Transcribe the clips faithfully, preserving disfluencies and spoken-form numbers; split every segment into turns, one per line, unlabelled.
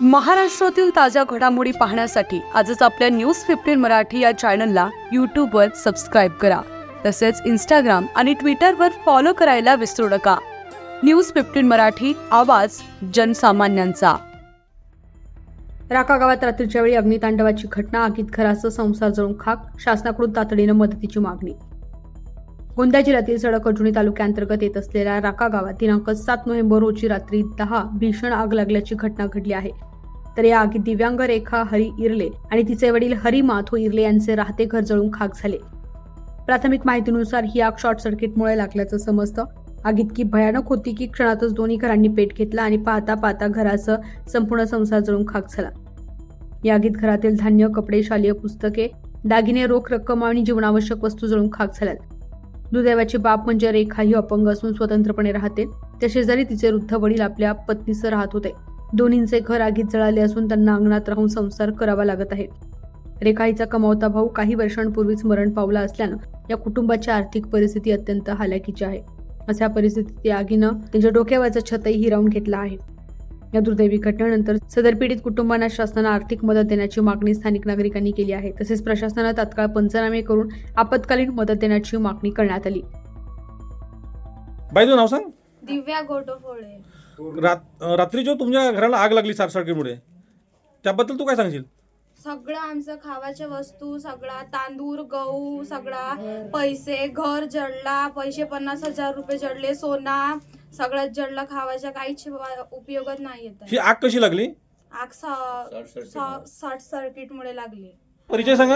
महाराष्ट्रातील ताज्या घडामोडी पाहण्यासाठी आजच आपल्या न्यूज फिफ्टीन मराठी या चॅनलला यूट्यूबवर सबस्क्राईब करा. तसेच इंस्टाग्राम आणि ट्विटरवर फॉलो करायला विसरू नका. न्यूज फिफ्टीन मराठी, आवाज जनसामान्यांचा. राका गावात रात्रीच्या वेळी अग्नितांडवाची घटना, आगीत घराचा संसार जळून खाक, शासनाकडून तातडीनं मदतीची मागणी. गोंदिया जिल्ह्यातील सडक अर्जुनी तालुक्याअंतर्गत येत असलेल्या राका गावात दिनांक सात नोव्हेंबर रोजी रात्री दहा भीषण आग लागल्याची घटना घडली आहे. तर या आगीत दिव्यांग रेखा हरी इरले आणि तिचे वडील हरी माथो इरले यांचे राहते घर जळून खाक झाले. प्राथमिक माहितीनुसार ही आग शॉर्ट सर्किटमुळे लागल्याचं समजतं. आग इतकी भयानक होती की क्षणातच दोन्ही घरांनी पेट घेतला आणि पाहता पाहता घराचा संपूर्ण संसार जळून खाक झाला. या आगीत घरातील धान्य, कपडे, शालेय पुस्तके, दागिने, रोख रक्कम आणि जीवनावश्यक वस्तू जळून खाक झाल्यात. दुर्दैवाची बाब म्हणजे रेखा ही अपंग असून स्वतंत्रपणे राहते. त्या शेजारी तिचे वृद्ध वडील आपल्या पत्नीसह राहत होते. दोन्हींचे घर आगीत जळाले असून त्यांना अंगणात राहून संसार करावा लागत आहे. रेखा हिचा कमावता भाऊ काही वर्षांपूर्वीच मरण पावला असल्यानं या कुटुंबाची आर्थिक परिस्थिती अत्यंत हालाकीची आहे. अशा परिस्थितीत या आगीनं त्यांच्या डोक्यावरचं छतही हिरावून घेतलं आहे. या दुर्दैवी घटनेनंतर सदर पीडित कुटुंबांना शासनानं आर्थिक मदत देण्याची मागणी स्थानिक नागरिकांनी केली आहे. तसेच प्रशासनानं तात्काळ पंचनामे करून आपत्कालीन मदत देण्याची मागणी करण्यात आली.
बाई तुझं नाव सांग.
दिव्या गोटोफोळे.
रात रात्री जो तुमच्या घराला आग लागली शॉर्ट सर्किटमुळे, त्याबद्दल तू काय सांगशील?
सगळं आमचं खावाच्या वस्तू, सगळा तांदूळ, गहू, सगळा पैसे, घर जळला, पैसे पन्नास हजार रुपये जळले, सोना सगळ्यात जळलं. खावाच्या काहीच उपयोगच नाही येत.
ही आग कशी लागली?
आग शॉर्ट सर्किट मुळे लागली.
परिचय सांगा.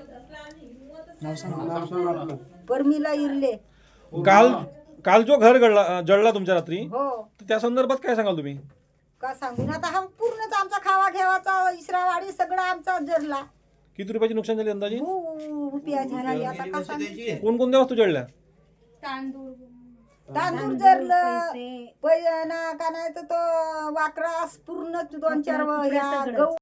परमीला इरले.
काल काल जो घर गळला जळला तुमच्या रात्री,
हो,
तर त्या संदर्भात काय सांगाल तुम्ही?
का सांगून आता हा पूर्णच आमचा खावा घेवाचा इसरावाडी सगळा आमचा जरला.
किती रुपयाची नुकसान झाली अंदाजे?
खूप रुपया झाला. आता का सांगू?
कोणकोणत्या वस्तू जळल्या?
तांदूळ
तांदूळ जरलं, पैना का नाही तर तो वाकरास पूर्ण दोन चार ह्या गहू